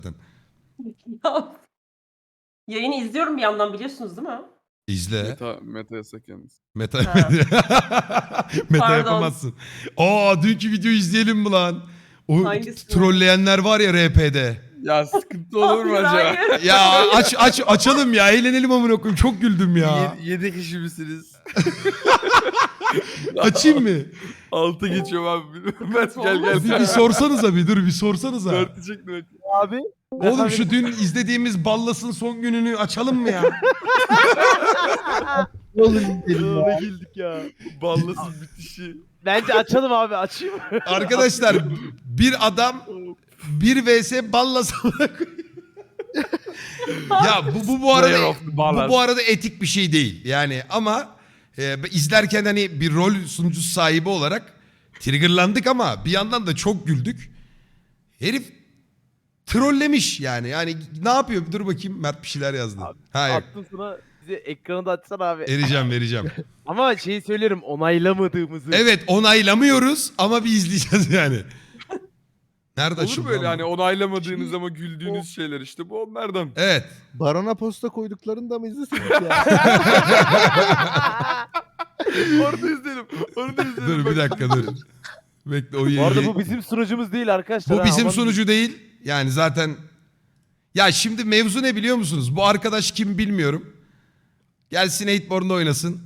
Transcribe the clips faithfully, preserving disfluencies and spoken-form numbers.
Yayını izliyorum bir yandan biliyorsunuz değil mi? İzle. Meta, meta yasak yalnız. Meta, Ha. meta Pardon. yapamazsın. Aa dünkü videoyu izleyelim mi lan? O Hangisi? trolleyenler var ya R P'de. Ya sıkıntı olur mu Hayır, acaba? hayır. Ya aç aç açalım ya, eğlenelim amına koyayım. Çok güldüm ya. Yedi, yedi kişi misiniz? Açayım mı? Altı geçiyorum abi. Mert gel gel. Bir, bir sorsanıza bir dur bir sorsanıza. Mert'i çektim. Mert. Abi. Oğlum şu dün izlediğimiz Ballas'ın son gününü açalım mı ya? Oğlum ne güldük ya. Ballasın bitişi. Bence açalım abi, açayım. Arkadaşlar bir adam bir vs Ballas amına koyayım. Ya bu bu bu arada Player of the bu, Ballas. bu arada etik bir şey değil. Yani ama e, izlerken hani bir rol sunucusu sahibi olarak triggerlandık ama bir yandan da çok güldük. Herif trollemiş yani. Yani ne yapıyor? Dur bakayım, Mert bir şeyler yazdı. Abi, Hayır. Attım sana, bize ekranı da açsana abi. Vereceğim vereceğim. Ama şeyi söylerim, onaylamadığımızı. Evet onaylamıyoruz ama bir izleyeceğiz yani. Nerede Olur açıldı böyle lan hani bu? onaylamadığınız ama güldüğünüz şeyler işte bu onlardan. Evet. Barona posta koyduklarını da mı izlesek ya? Orada izleyelim. Orada izleyelim. Dur bir Bak, dakika dur. Bekle o Bu yayı- arada bu bizim sunucumuz değil arkadaşlar. Bu ha, bizim aman- sunucu değil. Yani zaten... Ya şimdi mevzu ne biliyor musunuz? Bu arkadaş kim bilmiyorum. Gelsin Eightborn'da oynasın.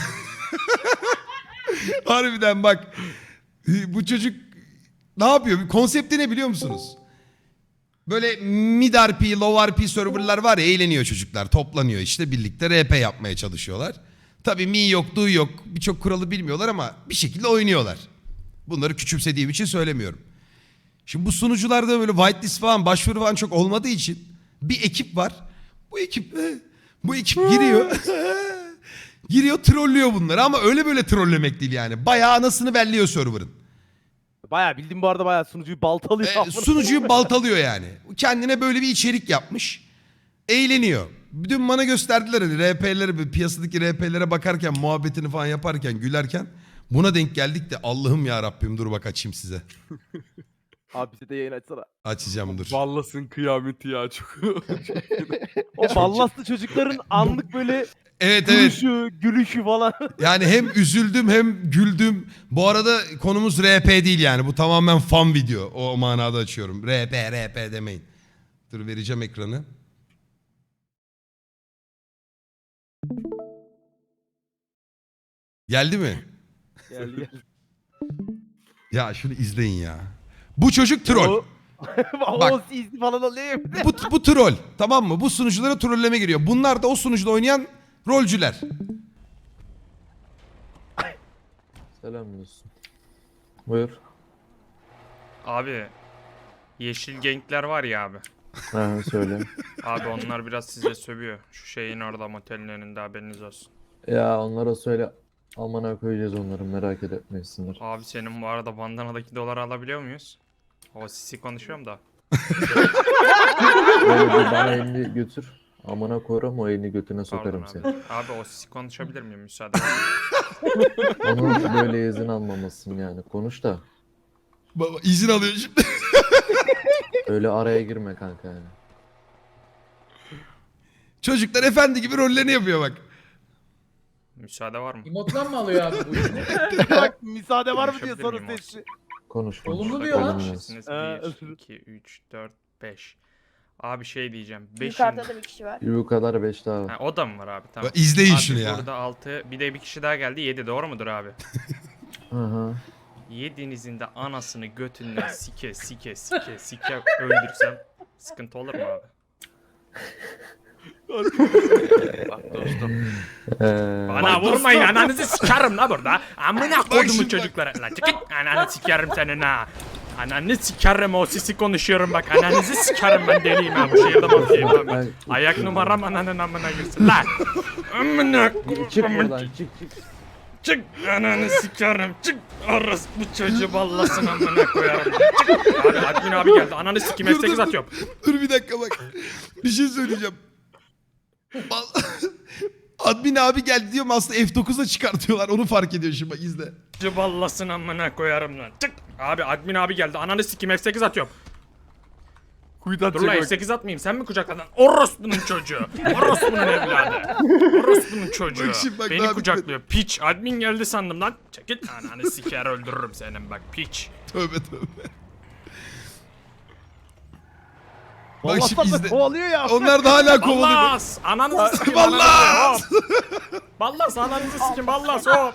Harbiden bak. Bu çocuk ne yapıyor? Konsepti ne biliyor musunuz? Böyle mid R P, low R P serverlar var ya, eğleniyor çocuklar. Toplanıyor işte birlikte R P yapmaya çalışıyorlar. Tabii mi yok, du yok. Birçok kuralı bilmiyorlar ama bir şekilde oynuyorlar. Bunları küçümsediğim için söylemiyorum. Şimdi bu sunucularda böyle whitelist falan, başvuru falan çok olmadığı için bir ekip var. Bu ekip bu ekip giriyor. Giriyor trollüyor bunları ama öyle böyle trollemek değil yani. Bayağı anasını belliyor server'ın. Bayağı bildim bu arada, bayağı sunucuyu baltalıyor. E, sunucuyu baltalıyor yani. Kendine böyle bir içerik yapmış. Eğleniyor. Dün bana gösterdiler hani R P'lere, piyasadaki R P'lere bakarken, muhabbetini falan yaparken, gülerken buna denk geldik de Allah'ım ya Rabbim, dur bak açayım size. Abi bize de yayın açsana. Açacağım dur. Ballasın kıyameti ya çok. O ballaslı çocukların anlık böyle Evet evet. duruşu, gülüşü falan. Yani hem üzüldüm hem güldüm. Bu arada konumuz R P değil yani. Bu tamamen fan video. O manada açıyorum. R P R P demeyin. Dur vereceğim ekranı. Geldi mi? Geldi geldi. Ya şunu izleyin ya. Bu çocuk troll. O, o Bak. izli falan oluyor. Bu, bu troll. Tamam mı? Bu sunuculara trolleme giriyor. Bunlar da o sunucuda oynayan rolcüler. Selam olsun. Buyur. Abi yeşil genkler var ya abi. Ha söyle. Abi onlar biraz size sövüyor. Şu şeyin orada motelin önünde haberiniz olsun. Ya onlara söyle. Amına koyacağız onları, merak etmesinler. Abi senin bu arada bandanadaki doları alabiliyor muyuz? O sisi konuşuyorum da. Böyle bir bana elini götür. Amına koyarım, o elini götüne Pardon sokarım abi. seni. Abi o sisi konuşabilir miyim müsaade var mı? Onun böyle izin almamasın yani. Konuş da. Baba izin alıyor şimdi. Öyle araya girme kanka yani. Çocuklar efendi gibi rollerini yapıyor bak. Müsaade var mı? Emotlan mı alıyor abi bu işini? Bak müsaade var mı diye Konuşabilir soru miyim seçti. Konuş konuş. Olumlu diyor lan. Olumlu. Kişisiniz. Ha, bir, iki, üç, dört, beş. Abi şey diyeceğim. beşin... Yukarıda da bir kişi var. Bu kadar beş daha var. Ha, o da mı var abi? Tamam. Bak, izleyin Abi şunu ya. burada altı, bir de bir kişi daha geldi. yedi doğru mudur abi? Hı hı. Yedinizin de anasını götünden sike sike sike sike öldürsem sıkıntı olur mu abi? Bak dostum. Ee, Bana vurmayın, ananızı sikerim la burada. Amına kodumu şimdi bak. çocuklara. La çıkın, ananı sikerim senin ha. Ananı sikerim, o sisi konuşuyorum bak. Ananızı sikerim, ben deliyim ha. Bu şehirde mafyayım abi. ben- Ayak numaram ananın amına girsin lan. Amına Çık kodumun. buradan, çık çık. Çık ananı sikerim, çık. Orası bu çocuğu ballasın amına koyarım. Çık. Abi admin abi geldi, ananı sikim F Dur, dur, sekiz dur. atıyorum. Dur bir dakika bak. Bir şey söyleyeceğim. Bal- Admin abi geldi diyorum, aslında F dokuz'a çıkartıyorlar. Onu fark ediyor şimdi, bak izle. Çocuğu ballasın amına koyarım lan. Çık. Abi admin abi geldi, ananı sikim F sekiz atıyorum. Kuyudan Dur lan çek bak. sekiz atmayayım sen mi kucakladın? Orospu'nun çocuğu. Orospu'nun evladı. Orospu'nun çocuğu. Bak şimdi bak, Beni daha kucaklıyor. Piç. Admin geldi sandım lan. Çekil. Ananı siker öldürürüm senin bak piç. Tövbe tövbe. Bak Vallahi şimdi da izle. kovalıyor ya. Onlar da hala kovalıyor. Ballas. Ananızı sikim. Ballas! Ballas ananızı sikim. Ballas hop.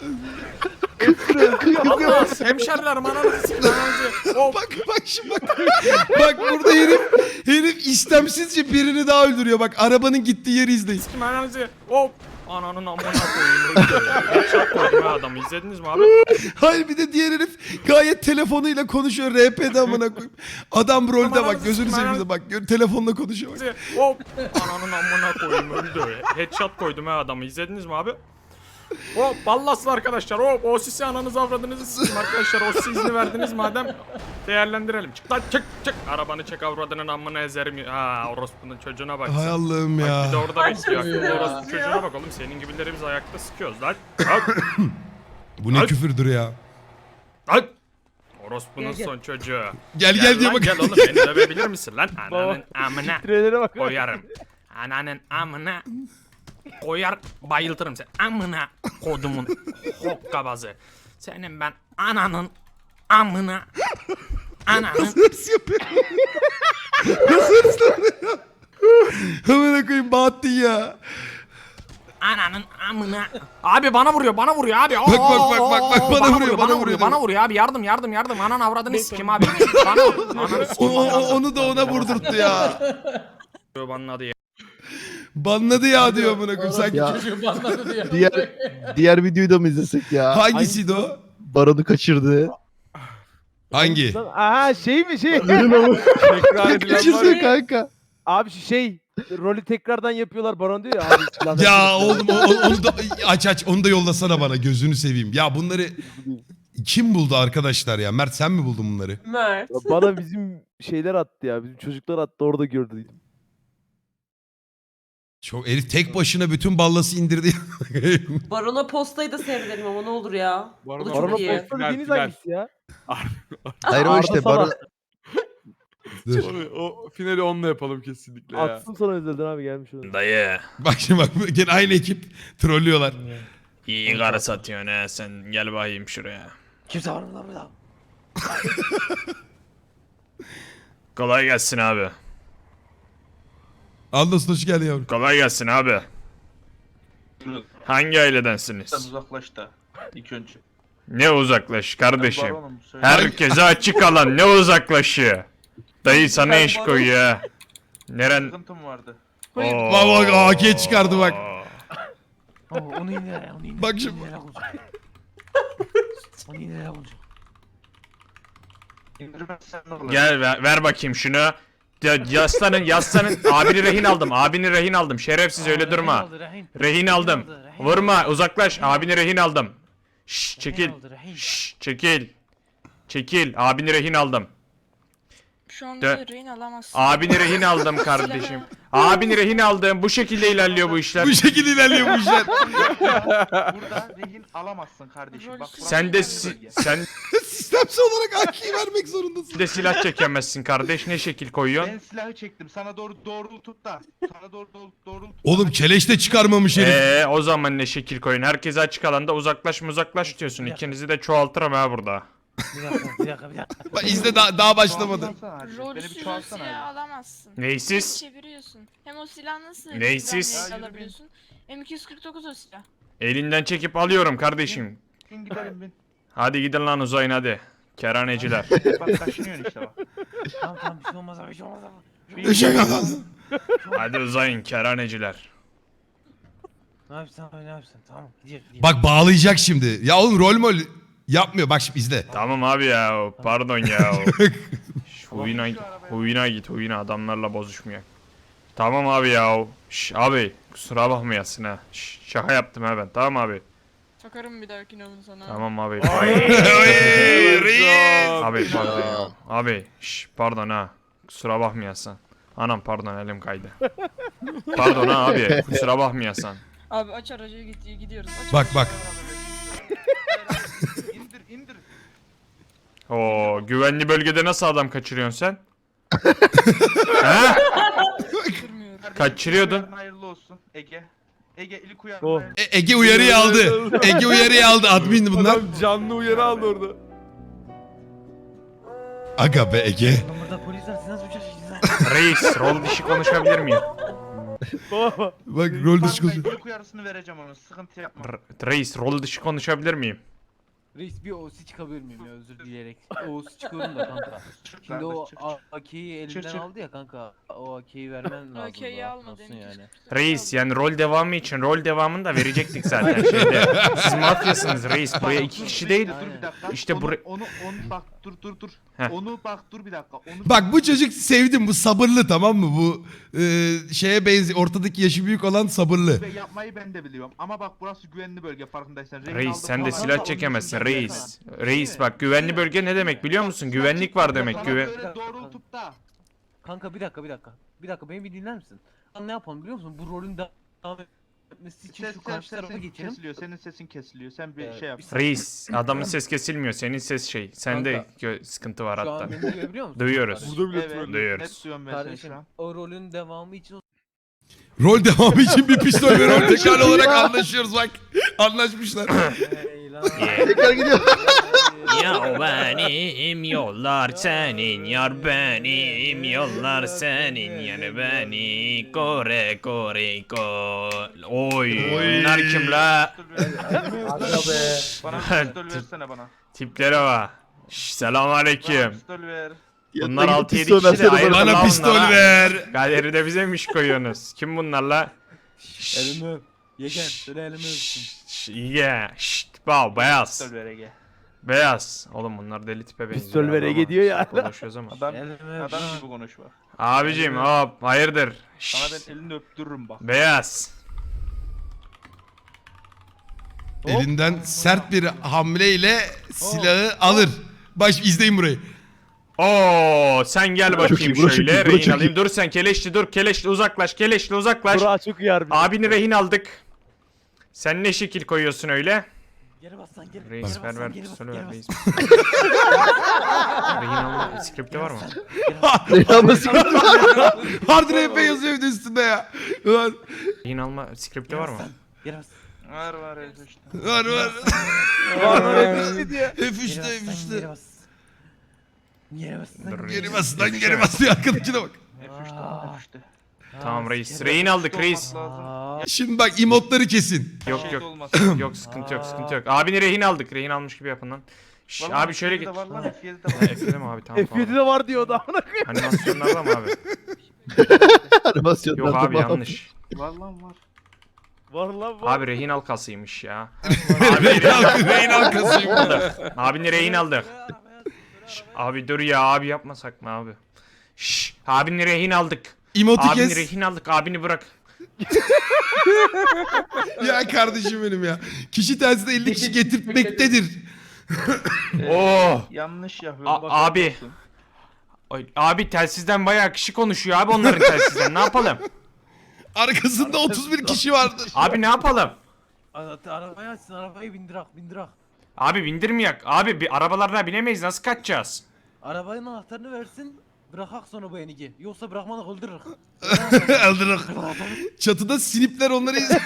Ballas. Hemşerilerim ananızı sikim. Ananızı. Hop. Bak bak şimdi bak. Bak burada herif herif istemsizce birini daha öldürüyor. Bak arabanın gittiği yeri izleyin. Sikim ananızı. Hop. Ananın amına koyayım. Headshot koydum ha adamı. İzlediniz mi abi? Hayır bir de diğer herif gayet telefonuyla konuşuyor. R P'de amına koyayım. Adam rolde bak gözünü seveyim de bak gör, telefonla konuşuyor bak. Hop. Ananın amına koyayım öldü. Headshot koydum ha adamı. İzlediniz mi abi? Hop ballaslı arkadaşlar. Hop o sisi ananızı avradınızı sikim arkadaşlar. O sisi izni verdiniz madem değerlendirelim. Çık lan çık çık. Arabanı çek avradının amına ezerim. Ha orospunun çocuğuna bak. Hay sen. Allah'ım Bak ya. bir de orada bekliyor. Aklında orospu çocuğuna bak oğlum. Senin gibileri biz ayakta sıkıyoruz lan. Bak. Bu ne Ay. küfürdür ya. Lan. Orospunun son çocuğu. Gel gel, diye lan, bak. Gel oğlum beni dövebilir misin lan? Ananın amına. Trelere bak. Koyarım. Ananın amına. Koyar bayıltırım seni. Amına kodumun hokkabazı. Senin ben ananın amına. Ananın. Hırs yapıyor. Nasıl hırslanıyor? Amına koyayım Bahattin ya. Ananın amına. Abi bana vuruyor bana vuruyor abi. Bak, bak, bak, bak, bak, bana vuruyor, bana bana vuruyor. vuruyor. Bana vuruyor abi yardım yardım yardım. Anan avradını sikim abi. Bana ananı O, sikim. o- o- onu da ona vurdurttu ya. Bana adı ya. Banladı ya diyor amına koyayım sanki. Ya Çocuğu banladı diye. diğer diğer videoyu da mı izlesek ya? Hangisiydi o? Baronu kaçırdı. Hangi? Lan, aha şey mi şey? Tekrar edilen var Kaçırdı ya. kanka. Abi şu şey rolü tekrardan yapıyorlar Baron diyor ya abi. lanet Ya olsun. oğlum o- onu da aç aç onu da yollasana bana gözünü seveyim. Ya bunları kim buldu arkadaşlar ya? Mert sen mi buldun bunları? Mert. Bana bizim şeyler attı ya. Bizim çocuklar attı orada gördüm. Çok herif tek başına bütün ballası indirdi. Barona postayı da seyredelim ama ne olur ya. O Barona da Baron'a çok iyi. posta Final, dediğiniz final. hangisi ya? Hayır o Arda işte Salah. Baron Dur. Onu- O finali onunla yapalım kesinlikle ya. Atsın sana özelden abi gelmiş onu. Dayı. Bak şimdi bak gene aynı ekip trollüyorlar. İyi karı satıyorsun ha sen. Gel bakayım şuraya. Kimse var mı lan burada? Kolay gelsin abi. Anlasın hoş geldin yavrum. Kolay gelsin abi. Hangi ailedensiniz? Sen uzaklaş da ilk önce. Ne uzaklaş kardeşim? Baronum, söyle. Herkese açık alan ne uzaklaşı? Dayı sana Ben iş baron- koyuyor ha. Neren? Sıkıntım vardı. Oo. Bak bak A K çıkardı bak. Oo, onu indir, onu indir. Bak onu şimdi. indir, Onu indir, onu indir. İndirmezsen ne olur? Gel ver, ver bakayım şunu. Ya, yaslanın yaslanın. Abini rehin aldım. Abini rehin aldım. Şerefsiz öyle Aa, durma. rehin aldı, rehin. Rehin aldım. aldı, rehin Vurma uzaklaş. Abini rehin aldım. Şşş çekil. aldı, rehin. Şşş çekil. Çekil. Abini rehin aldım. Şu an De- bizi rehin alamazsın. Abini rehin aldım kardeşim. Abini rehin aldım. Bu şekilde ilerliyor bu işler. Bu şekilde ilerliyor bu işler. Burada rehin alamazsın kardeşim. Bak, Sen de si- sen Sistemsel olarak A K'yi vermek zorundasın. de silah çekemezsin kardeş. Ne şekil koyuyorsun? Ben silahı çektim. Sana doğru doğru tut da. Sana doğru doğru doğru tut. Oğlum keleş de çıkarmamış herif. Eee o zaman ne şekil koyun? Herkese açık alanda uzaklaş uzaklaş diyorsun. İkinizi de çoğaltırım ha burada. Bir dakika, bir dakika, bir dakika. Bak izle daha, daha başlamadı. Çoğalsana hadi. Beni bir Rolsüz o çoğalsana silahı hadi. alamazsın. Neysiz? Çeviriyorsun. Hem o silah nasıl Neysiz? silahla Ya, yürü alabiliyorsun? M iki yüz kırk dokuz o silah. Elinden çekip alıyorum kardeşim. Bin gidelim bin. Hadi gidin lan uzayın hadi. Keraneciler. Bak kaşınıyorsun işte bak. Tamam tamam bir şey olmaz abi, bir şey olmaz abi. Işık alın. Hadi uzayın keraneciler. Ne yapıyorsun abi, ne yapıyorsun? Tamam, gidiyor, gidiyor. Bak bağlayacak şimdi. Ya oğlum rol mol yapmıyor. Bak şimdi izle. Tamam abi ya. Pardon ya. Şş, Huyuna, huyuna git huyuna adamlarla bozuşmuyor. Tamam abi ya. Şş, abi kusura bakmayasın ha. Şş, şaka yaptım ha ben. Tamam abi. Takarım bir dahakine onu sana. Tamam abi. Reis! Abi pardon ya. Abi şş, pardon ha. Kusura bakmayasın. Anam pardon elim kaydı. Pardon ha abi. Kusura bakmayasın. Abi aç aracı git, gidiyoruz. Aç Bak bak. İndir indir. Oo güvenli bölgede nasıl adam kaçırıyorsun sen? Ha? Durmuyorum. Kaçırıyordun. Hayırlı olsun Ege. Ege ilk uyarın. Oh. hayırlı- E- Ege uyarıyı aldı. Ege uyarıyı aldı. Admin bunlar. Adam canlı uyarı aldı orada. Aga be Ege. Lan burada polis var siz nasıl uçacaksınız lan? Reis rol dışı konuşabilir miyim? Baba. Bak rol dışı Bak, konuş. ben ilk uyarısını vereceğim onun. Sıkıntı yapma. R- Reis rol dışı konuşabilir miyim? Reis bir O C çıkabilir miyim ya özür dileyerek. O C çıkıyorum da kanka. Çık Şimdi o kardeş, çık, çık. A K'yi Çık, elinden çık. aldı ya kanka. O A K'yi vermen lazım. Okey da, almadı. nasılsın yani? Reis yani rol devamı için rol devamını da verecektik zaten şeyde. Siz mafyasınız reis. Buraya Bak, iki dur, kişi bir değil. dakika, Dur bir dakika. İşte onu, buraya- onu, onu bak dur dur dur. Heh. Onu bak dur bir dakika. Onu Bak bu çocuk sevdim. Bu sabırlı tamam mı? Bu e, şeye benziyor. Ortadaki yaşı büyük olan sabırlı. Ve yapmayı ben de biliyorum. Ama bak burası güvenli bölge farkındaysan. Rehin Reis aldım sen de falan. silah Onun çekemezsin için reis. Reis bak güvenli bölge ne demek biliyor musun? Güvenlik var demek Sana güven. böyle doğrultup da. Kanka bir dakika bir dakika. Bir dakika beni bir dinler misin? Lan ne yapalım biliyor musun? Bu rolün devam etmesi için Ses, şu ses, karşı tarafa sesin geçelim. kesiliyor. Senin sesin kesiliyor. Sen bir Ee, şey yap. bir saniye. Reis adamın ses kesilmiyor senin ses şey. Sende Kanka. gö- sıkıntı var Şu hatta. an beni duyabiliyor musun? Duyuyoruz. Kardeşim? Burada bile Evet. troll. Duyuyoruz. Net duyuyorum ben seni Kardeşim şu an. o rolün devamı için Rol devamı için bir pistol ve rol tekrar olarak anlaşıyoruz bak. Anlaşmışlar. Hey lan. Tekrar gidiyor. Ya benim yollar senin yar benim yollar senin yani beni kore kore ko. Oy. Bunlar kim la? Aga be. Bana bir pistol versene bana. Tiplere bak. Şş, selam aleyküm. Bana pistol ver. Bunlar Yanına altı yedi pistol kişi de versene ayrı bana. Bana lan pistol bunlar ha. ver. Galeride bize mi iş koyuyorsunuz? Kim bunlar la? Şş, Elimi öp. Yegen söyle elimi öpsün. şş, yeah. Şşt, wow, beyaz. Pistol ver Ege. Beyaz. Oğlum bunlar deli tipe benziyor. Pistol ver ama Ege diyor ya. Konuşuyoruz ama. Adam, Elimi öp. adam lan. gibi konuş bak. Abicim hop hayırdır? Sana Şşt, ben elini öptürürüm bak. beyaz. Elinden sert bir hamleyle silahı alır. Baş izleyin burayı. Oo sen gel bakayım iyi, burası çok şöyle. iyi, burası Rehin çok alayım. iyi. Dur sen keleşli dur. Keleşli uzaklaş. Keleşli uzaklaş. Burak çok uyar bizi. Abini rehin aldık. Sen ne şekil koyuyorsun öyle? Geri bas lan geri. Reis geri ver bas ver lan, geri bas, pistolü geri ver bas. reis. Rehin alma skripti var mı? Hard R P yazıyor bir de üstünde ya. Var Rehin alma skripti var mı? Geri bas. Var var evet işte. var. var. Vallahi diye. F Geri üçte bas F lan, üçte. geri bas. Geri bas lan. Dur, Geri bas lan geri bas diyor arkadakine bak. F üçte Aa. F üçte. Tamam Aa, reis. sikerim. Rehin aldık Olması reis. lazım. Aa, Şimdi bak emotları kesin. Yok Şeyde yok. olmasın. Yok sıkıntı yok sıkıntı yok. Abini rehin aldık. Rehin almış gibi yapın lan. Şş, Vallahi abi şöyle F git. yedide var lan F yedide var. Ekledim abi tamam F yedi tamam. de var diyordu amına koyayım. Animasyonlarda mı abi? Animasyonlarda Yok abi bağlı. yanlış. Var lan var. Var lan var. Abi rehin halkasıymış ya. Rehin halkı- rehin halkasıyım. Abini rehin aldık. Şş, abi dur ya abi yapmasak mı abi? Şş, abini rehin aldık. Emotu Abini kes. rehin aldık abini bırak. Ya kardeşim benim ya. Kişi telsizde elli kişi getirtmektedir. Oo. Yanlış yapıyorum. A- bak, abi. olsun. Ay, abi telsizden bayağı kişi konuşuyor abi onların telsizden ne yapalım? Arkasında otuz bir kişi vardır. Abi ne yapalım? Ara- Arabayı açsın arabayı bindirak bindirak. Abi bindirmeyek. Abi bir arabalarına binemeyiz nasıl kaçacağız? Arabanın anahtarını versin. Bırakak sonra bu enigi. Yoksa bırakmadık öldürürük. Öldürür. Çatıda sinipler onları izliyor.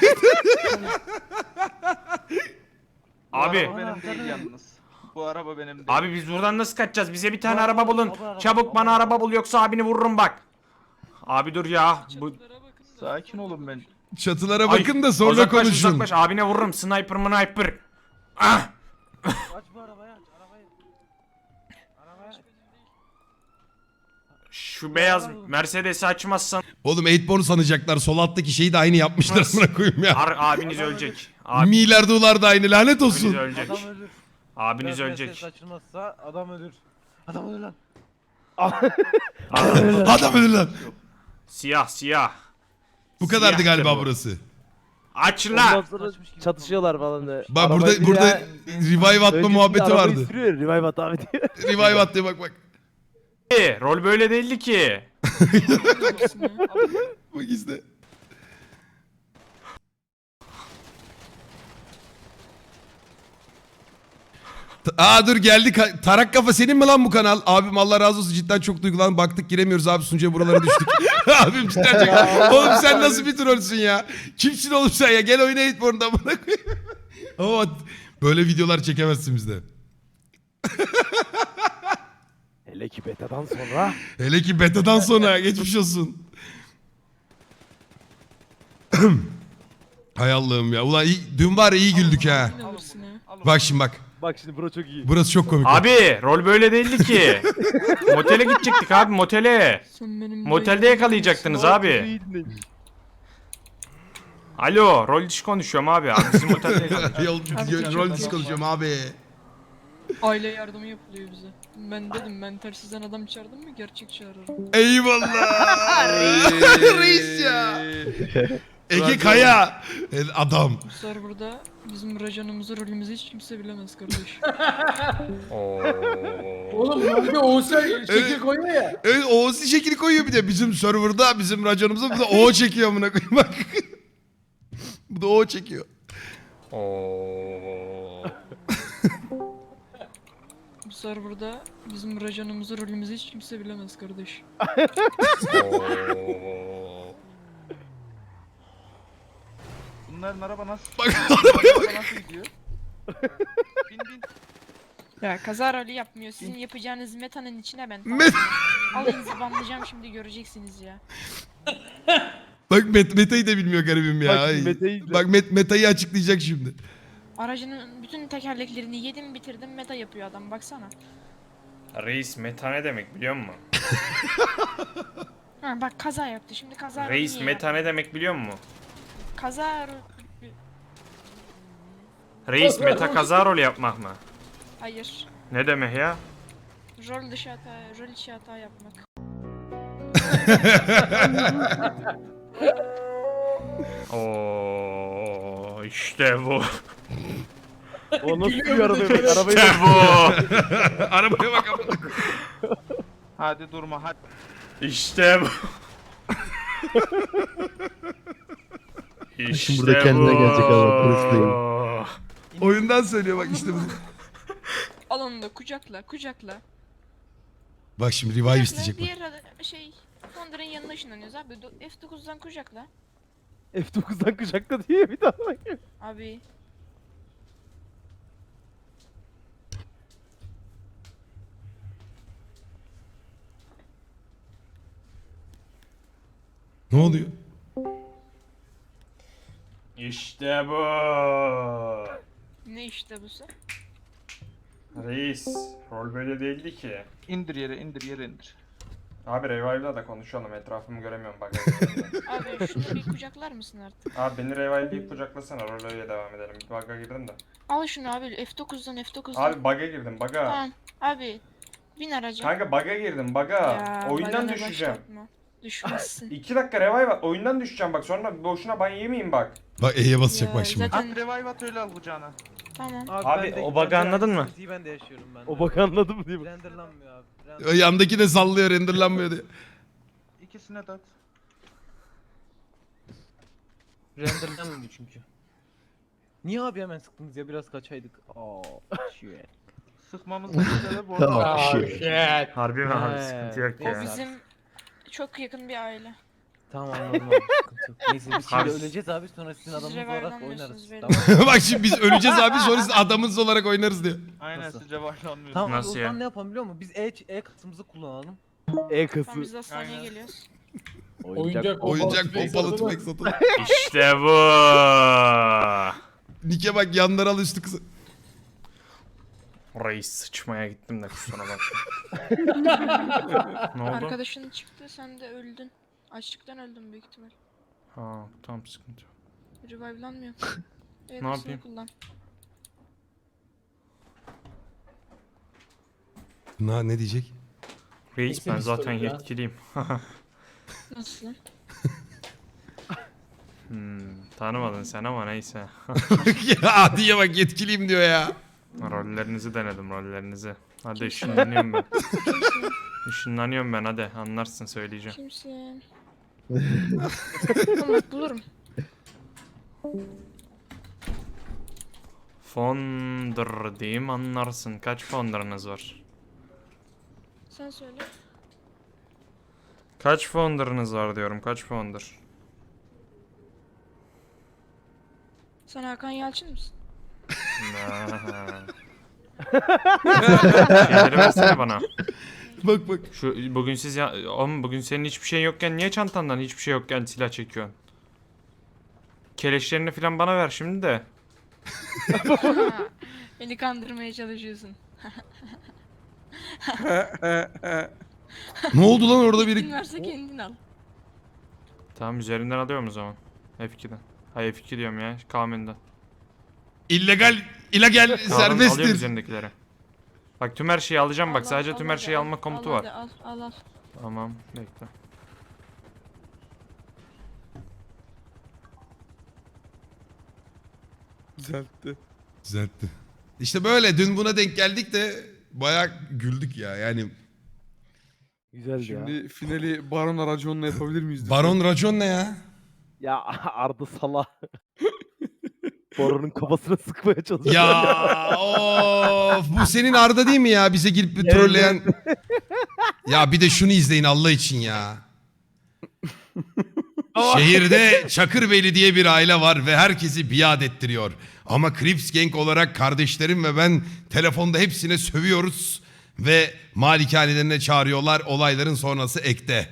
Bu Abi. araba benim değil yalnız. Bu araba benim değil. Abi biz buradan nasıl kaçacağız? Bize bir tane Baba, araba bulun. baba, araba, Çabuk baba, bana araba. araba bul yoksa abini vururum bak. Abi dur ya. Bu... Çatılara bakın da. Sakin olun ben. Çatılara Ay, bakın da sonra uzaklaş, konuşun. Uzaklaş abine vururum. Sniper sniper. Ah! Aç bu arabayı aç arabayı. Arabayı aç. Şu beyaz Mercedes'i açmazsan Oğlum Eightborn sanacaklar. Sol alttaki şeyi de aynı yapmışlar Nasıl? amına koyayım ya. ar- abiniz ölecek. Abi, Miler dolar da aynı lanet abiniz olsun. ölecek. Adam ölür. Abiniz Biraz ölecek. Mercedes açılmazsa adam ölür. Adam ölür lan. Adam öldü lan. Siyah siyah. Bu kadardı Siyahtır galiba bu. burası. Aç Ondan la. sonra çatışıyorlar falan da. Bak Arabayı burada bir burada ya- revive atma Öncesinde muhabbeti arabayı vardı. sürüyor, revive at abi diyor. Revive at diye bak bak. E, Rol böyle değildi ki. Olmasın ya. Bak işte. Aa dur geldi. Ka- Tarak Kafa senin mi lan bu kanal? Abim Allah razı olsun cidden çok duygulandım. Baktık giremiyoruz abi sunucuya buralara düştük. Abim cidden çok... Oğlum sen nasıl bir trollsün ya? Kimsin oğlum sen ya? Gel oyna Eightborn'da bana koyayım. Ama böyle videolar çekemezsin bizde. Hele ki betadan sonra. Hele ki betadan sonra geçmiş olsun. Hay Allah'ım ya. Ulan iyi, dün var ya iyi güldük ha. Ne alırsın ya? Bak şimdi bak. Bak şimdi bro çok iyi. Burası çok komik. Abi rol böyle değildi ki. Motele gidecektik abi motele. Sen benim Motelde dayımın yakalayacaktınız Çok abi. iyi dinle. Alo rol dışı konuşuyorum abi. Abi bizim motelde yakalayacak. Yol, Abi, rol çok dışı konuşuyorum abi. aile yardımı yapılıyor bize. Ben dedim ben tersizden adam çağırdım mı gerçek çağırırım. Eyvallah. Reis ya. Ege Kaya. Adam. Bu serverda bizim racanımızı rolümüzü hiç kimse bilemez kardeş. Oo. Oğlum rolde Oğuz'a şekil koyuyor ya. Evet Oğuz şekil koyuyor bir de bizim serverda bizim raconumuza bu da O çekiyor amına koyayım bak. Bu da O çekiyor. Oo. Bu serverda bizim racanımızı rolümüzü hiç kimse bilemez kardeş. Oo. Bunların araba nasıl? Bak Araba nasıl gidiyor? Bin bin. Ya kaza rolü yapmıyor. Sizin yapacağınız metanın içine ben Met- alayınızı banlayacağım şimdi göreceksiniz ya. Bak Met Meta'yı da bilmiyor garibim ya. Bak Ay. şimdi Meta'yı izle. Bak Met Meta'yı açıklayacak şimdi. Aracının bütün tekerleklerini yedim bitirdim meta yapıyor adam baksana. Reis meta ne demek biliyor musun? Ha bak kaza yaptı şimdi kaza rolü Reis niye meta yaptı? ne demek biliyor musun? Kaza rolü... Reis meta kaza rolü yapmak mı? Hayır. Ne demek ya? Rol dışı hata, rol içi hata yapmak. Oo işte bu. O nasıl bir araba demek? Arabayı İşte bu. Arabaya bak amına. Hadi durma hadi. İşte bu. İşte burada kendine gelecek adam, polis değil. Oyundan söylüyor bak işte bu. Al onu da kucakla kucakla. Bak şimdi revive Kucakla, isteyecek bak. diğer ada- şey Founder'ın yanına ışınlanıyoruz abi. Do- F dokuzdan kucakla. F dokuzdan kucakla diye bir daha bak. Abi. Ne oluyor? İşte bu. Ne işte bu sen? Reis, rol böyle değildi ki. İndir yere indir yere indir. Abi revive'la da konuşalım, etrafımı göremiyorum bak. Abi şunu bir kucaklar mısın artık? Abi beni revive'layıp kucaklasana, rol öyle devam edelim. Bir bug'a girdim de. Al şunu abi F dokuzdan F dokuzdan. Abi bug'a girdim, bug'a. Tamam. Abi bin araca. Kanka bug'a girdim, bug'a. Ya, Oyundan bana düşeceğim. başlatma. Düşmezsin. İki dakika revive at, oyundan düşeceğim bak, sonra boşuna ban yemeyeyim bak. Bak E'ye basacak Ya, bak şimdi. zaten- At revive at öyle al kucağına. Tamam. Abi, ben de- o ben bug'ı de anladın mı? sıkıntıyı ben de yaşıyorum ben de. O bak anladım diye. Renderlanmıyor abi. O yandaki de sallıyor renderlanmıyor diye. İkisine de at. Renderlanmıyor çünkü. Niye abi hemen sıktınız ya, biraz kaçaydık. Aa, shit. Sıkmamız gerekirse bu arada. Tamam shit. Harbi mi abi, He, sıkıntı yok O neyse. bizim çok yakın bir aile. Tamam anladım abi, sıkıntı yok. Neyse biz şimdi Abi- öleceğiz abi, sonra sizin Siz adamınız olarak revive'lanmıyorsunuz oynarız. belli. Tamam. Bak şimdi biz öleceğiz abi sonra siz adamınız olarak oynarız diyor. Aynen Nasıl? siz revive'lanmıyorsunuz. Tamam abi, Nasıl o zaman ya? ne yapalım biliyor musun? Biz E, E kasımızı kullanalım. E Tamam kası. biz de hastaneye Aynen. geliyoruz. Oyuncak Oyuncak tüfek pompalı satın tüfek satın. İşte bu. Nike bak yanları al üstü kısa. Reis sıçmaya gittim de kusura bak. Ne oldu? Arkadaşın çıktı sen de öldün. Açlıktan öldün büyük ihtimal. Ha tamam, sıkıntı yok. Revive'lanmıyor. Evet, Ne basını yapayım? Kullan. Na ne diyecek? Reis Neyse, ben bir zaten sorun ya. yetkiliyim. Nasıl? hmm, tanımadın sen ama neyse. ya diye bak yetkiliyim diyor ya. Rollerinizi denedim, rollerinizi. Hadi ışınlanıyorum ben. Kimsin? Işınlanıyorum ben, hadi anlarsın, söyleyeceğim. Kimsin? Tamam bulurum. Founder diyeyim anlarsın. Kaç founder'ınız var? Sen söyle. Kaç founder'ınız var diyorum. Kaç founder? Sen Hakan Yalçın mısın? Şeyleri versene bana. Bak bak. Şu bugün siz ya oğlum bugün senin hiçbir şey yokken niye çantandan hiçbir şey yokken silah çekiyorsun? Keleşlerini falan bana ver şimdi de. Beni kandırmaya çalışıyorsun. Ne oldu lan orada biri? Kim varsa kendin al. Tamam üzerinden alıyorum o zaman. F iki'den. Hayır F iki diyorum ya. Kamen'den. illegal illegal Alıyorum serbesttir. üzerindekileri. Bak tüm her şeyi alacağım bak. Al, Sadece al, tüm al, her şeyi al, alma komutu al, var. hadi, Al al al. Tamam bekle. Düzeltti. Düzeltti. İşte böyle dün buna denk geldik de bayağı güldük ya yani. Güzeldi ya. Şimdi finali Baron Aracon'la yapabilir miyiz? Baron Racon ne ya? Ya Arda Sala. Boronun kafasına sıkmaya çalışıyor. Ya of bu senin Arda değil mi ya bize gelip bir trolleyen. Ya bir de şunu izleyin Allah için ya. Şehirde Çakırbeyli diye bir aile var ve herkesi biat ettiriyor. Ama Crips Gang olarak kardeşlerim ve ben telefonda hepsine sövüyoruz ve malikanelerine çağırıyorlar. Olayların sonrası ekte.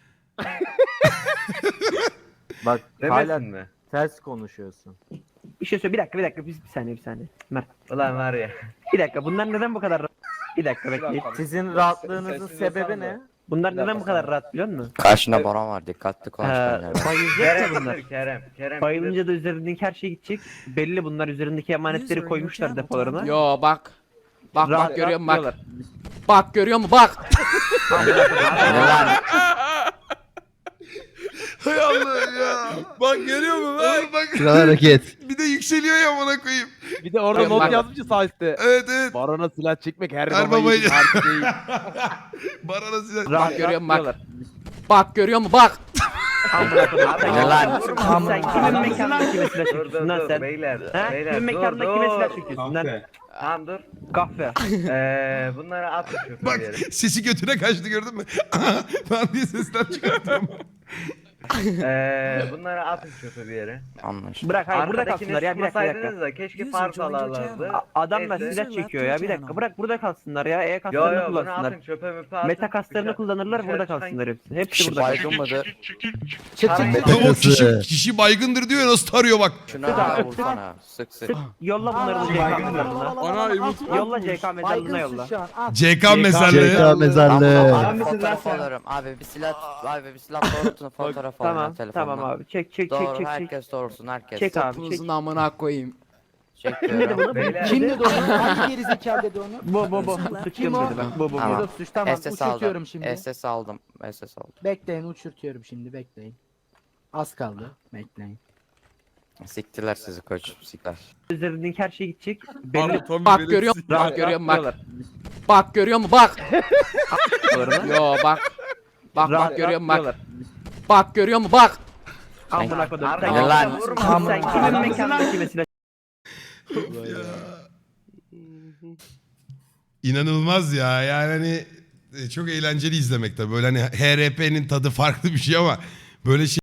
Bak hala mi? ters konuşuyorsun. Bir şey söyle. Bir dakika bir dakika. Bir, bir saniye bir saniye. Mert. Ulan var ya. Bir dakika. Bunlar neden bu kadar rahat? Bir dakika bekleyin. Sizin rahatlığınızın sebebi ne? Bunlar neden bu kadar rahat biliyor musun? Karşında Baron var dikkatli konuş Ee, bence. bayılacak ya bunlar. Kerem, Kerem. Bayılınca da üzerindeki her şey gidecek. Belli bunlar üzerindeki emanetleri koymuşlar depolarına. Yo bak. Bak Rahat- bak görüyor musun rahat bak. Bak görüyor musun bak. Hay Allah ya. Bak görüyor musun lan? Oğlum bak. hareket. Bir de yükseliyor ya bana koyayım. Bir de orada Yok, not bak. yazmış ya sağ üstte. Evet evet. Barona silah çekmek her, Her baba baba yiğidin harcı değil. Barona size. Bak görüyor musun bak. Bak görüyor musun bak. Ne lan? Sen kimin mekanında kime silah Dur çekiyorsun dur lan dur sen? beyler. Ha? Beyler Kimin dur mekanında kime silah dur. çekiyorsun lan? Tamam dur. Kahve. Eee bunları atın çöpe Bak bir yere. sesi götüne kaçtı gördün mü? Ben diye sesler çıkartıyorum. Eee bunları atın çöpe bir yere. Anlaşıldı. Bırak hayır burada Arkadakini kalsınlar ya bir dakika bir dakika. sıkmasaydınız da keşke fark alarlardı. A- Adamlar Neyse. silah çekiyor ya bir dakika bırak burada kalsınlar ya E Yo kaslarını yo bunu kullansınlar. atın çöpe müpe atın. Meta kaslarını Dışarı- kullanırlar dışarı burada çıkan- kalsınlar hepsi. Hepsi Kişi burada kalsın. baygın mıdır? Tarayın. O kişi, kişi baygındır diyor ya nasıl tarıyor bak. Şuna vursana. Sık sık. Sık yolla bunları da C K mezarlığına. Ana Umut. Yolla C K mezarlığına yolla. C K mezarlığı. mezarlığı. Abi fotoğraf alırım. Abi bir silah, abi bir silah doğrultun fotoğraf alın Tamam telefonla. tamam abi çek çek çek Doğru çek çek. herkes doğrusun herkes. Çek abi çek. Topunuzun amına koyayım. Çekiyorum. Beyler. Kim dedi onu? Hangi gerizekalı dedi onu? Bu bu bu. Sıçtım dedi bak. Bu bu Tamam. bu. Suç tamam S S aldım. uçurtuyorum şimdi. S S aldım. S S aldım. Bekleyin uçurtuyorum şimdi bekleyin. Az kaldı. Bekleyin. Siktiler sizi koç. Siktiler. Üzerindeki her şey gidecek. Belli. Pardon, Tommy Bak benim görüyor sik- musun? Bak Rahat- görüyor musun bak. rahatlıyorlar. Bak görüyor musun bak. Rahatlıyorlar. Yo bak. Bak Rahat- bak görüyor musun bak. rahatlıyorlar. Bak görüyor musun bak. Amına kodum. Arda, Sen- Ne lan? vurma. Sen kimin mekanında kime silah İnanılmaz ya yani hani e, çok eğlenceli izlemek tabii. Böyle hani H R P'nin tadı farklı bir şey ama böyle şey